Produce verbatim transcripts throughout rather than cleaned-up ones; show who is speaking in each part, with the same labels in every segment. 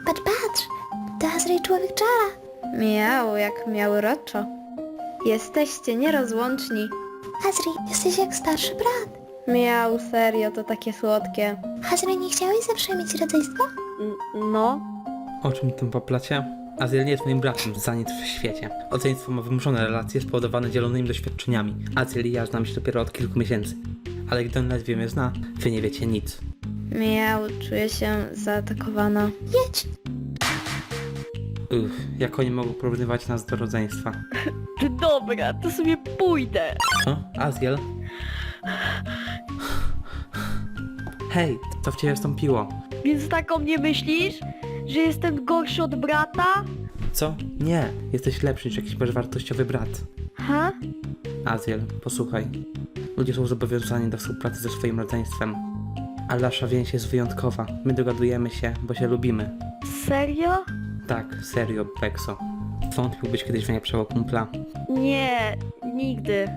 Speaker 1: Patrz, patrz! To Azri człowiek czara.
Speaker 2: Miał jak miał roczo. Jesteście nierozłączni.
Speaker 1: Azri, jesteś jak starszy brat.
Speaker 2: Miał, serio, to takie słodkie.
Speaker 1: Azri, nie chciałeś zawsze mieć rodzeństwa?
Speaker 2: N- no.
Speaker 3: O czym tym poplacie? Aziel nie jest moim bratem, za nic w świecie. Rodzeństwo ma wymuszone relacje spowodowane dzielonymi doświadczeniami. Aziel i ja znamy się dopiero od kilku miesięcy. Ale gdy on ledwie mnie zna, wy nie wiecie nic.
Speaker 2: Miał, czuję się zaatakowana.
Speaker 1: Jedź!
Speaker 3: Uff, jak oni mogą porównywać nas do rodzeństwa?
Speaker 4: Dobra, to sobie pójdę.
Speaker 3: O, Aziel? Hej, co w ciebie wstąpiło?
Speaker 4: Więc tak o mnie myślisz? Że jestem gorszy od brata?
Speaker 3: Co? Nie, jesteś lepszy niż jakiś bezwartościowy brat.
Speaker 4: Ha?
Speaker 3: Aziel, posłuchaj. Ludzie są zobowiązani do współpracy ze swoim rodzeństwem. Ale nasza więź jest wyjątkowa. My dogadujemy się, bo się lubimy.
Speaker 4: Serio?
Speaker 3: Tak, serio, Pekso. Wątpiłbyś kiedyś w najlepszego kumpla.
Speaker 4: Nie, nigdy.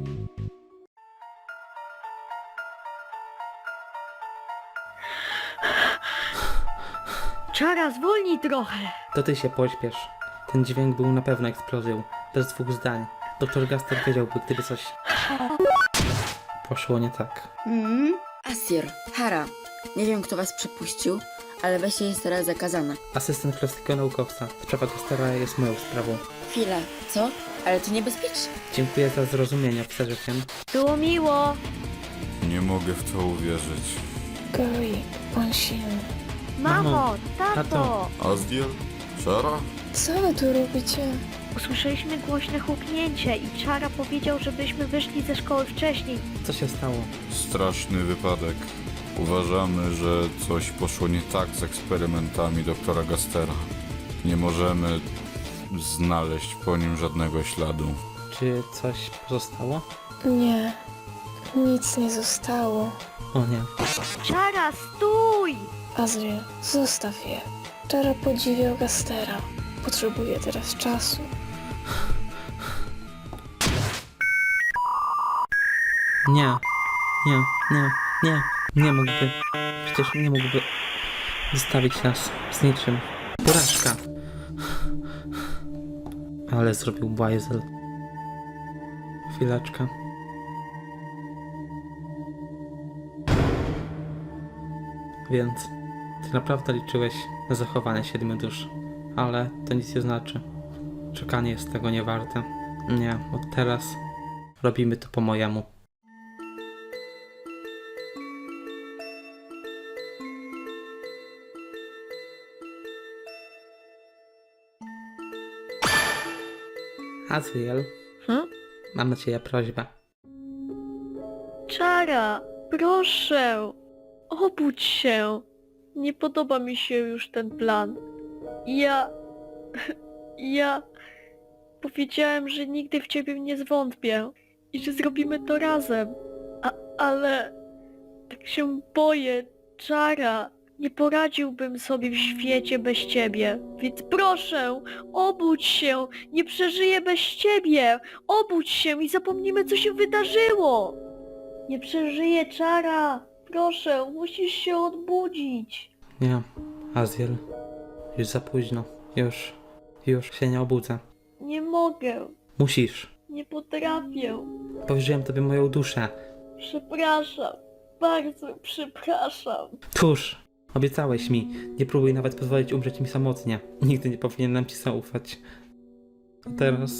Speaker 4: Czara, zwolnij trochę.
Speaker 3: To ty się pośpiesz. Ten dźwięk był na pewno eksplozją. Bez dwóch zdań. Doktor Gaster wiedziałby, gdyby coś poszło nie tak.
Speaker 5: Mm? Asir, Hara, nie wiem kto was przepuścił, ale wejście jest teraz zakazane.
Speaker 3: Asystent klasycznego naukowca. Sprawa Gastera jest moją sprawą.
Speaker 5: Chwila, co? Ale to niebezpieczne.
Speaker 3: Dziękuję za zrozumienie, oficerze Chen.
Speaker 4: Było miło.
Speaker 6: Nie mogę w to uwierzyć.
Speaker 7: Goi, on silny.
Speaker 4: Mamo,
Speaker 3: Mamo,
Speaker 4: tato.
Speaker 3: tato.
Speaker 6: Azdiel? Szara?
Speaker 7: Co wy tu robicie?
Speaker 4: Usłyszeliśmy głośne huknięcie i Czara powiedział, żebyśmy wyszli ze szkoły wcześniej.
Speaker 3: Co się stało?
Speaker 6: Straszny wypadek. Uważamy, że coś poszło nie tak z eksperymentami doktora Gastera. Nie możemy znaleźć po nim żadnego śladu.
Speaker 3: Czy coś pozostało?
Speaker 7: Nie, nic nie zostało.
Speaker 3: O nie.
Speaker 4: Czara, stój!
Speaker 7: Azriel, zostaw je. Czara podziwiał Gastera. Potrzebuje teraz czasu.
Speaker 3: Nie. Nie, nie, nie. Nie mógłby. Przecież nie mógłby zostawić nas z niczym. Porażka. Ale zrobił bajzel. Chwileczkę. Więc ty naprawdę liczyłeś na zachowanie siedmiu dusz. Ale to nic nie znaczy. Czekanie jest tego nie warte. Nie, od teraz robimy to po mojemu. Azriel,
Speaker 4: Hm?
Speaker 3: mam na ciebie prośbę.
Speaker 4: Czara, proszę, obudź się. Nie podoba mi się już ten plan. Ja... Ja... Powiedziałem, że nigdy w ciebie nie zwątpię i że zrobimy to razem. A, ale... Tak się boję, Czara. Nie poradziłbym sobie w świecie bez ciebie. Więc proszę, obudź się. Nie przeżyję bez ciebie. Obudź się i zapomnimy, co się wydarzyło. Nie przeżyję, Czara. Proszę, musisz się odbudzić.
Speaker 3: Nie, Azriel, już za późno. Już, już się nie obudzę.
Speaker 4: Nie mogę.
Speaker 3: Musisz.
Speaker 4: Nie potrafię.
Speaker 3: Powierzyłem tobie moją duszę.
Speaker 4: Przepraszam. Bardzo przepraszam.
Speaker 3: Tuż, obiecałeś mi. Nie próbuj nawet pozwolić umrzeć mi samotnie. Nigdy nie powinienem ci zaufać. A teraz...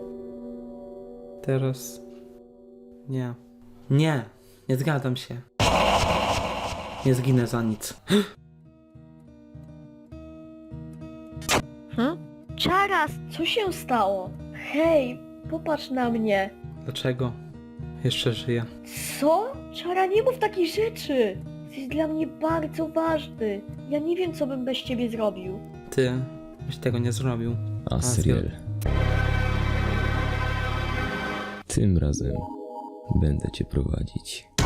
Speaker 3: Teraz... Nie. Nie, nie zgadzam się. Nie zginę za nic.
Speaker 4: Hm? Czaras, co się stało? Hej, popatrz na mnie.
Speaker 3: Dlaczego? Jeszcze żyję.
Speaker 4: Co? Czara, nie mów takich rzeczy. Jesteś dla mnie bardzo ważny. Ja nie wiem, co bym bez ciebie zrobił.
Speaker 3: Ty byś tego nie zrobił.
Speaker 8: Asriel. Tym razem będę cię prowadzić.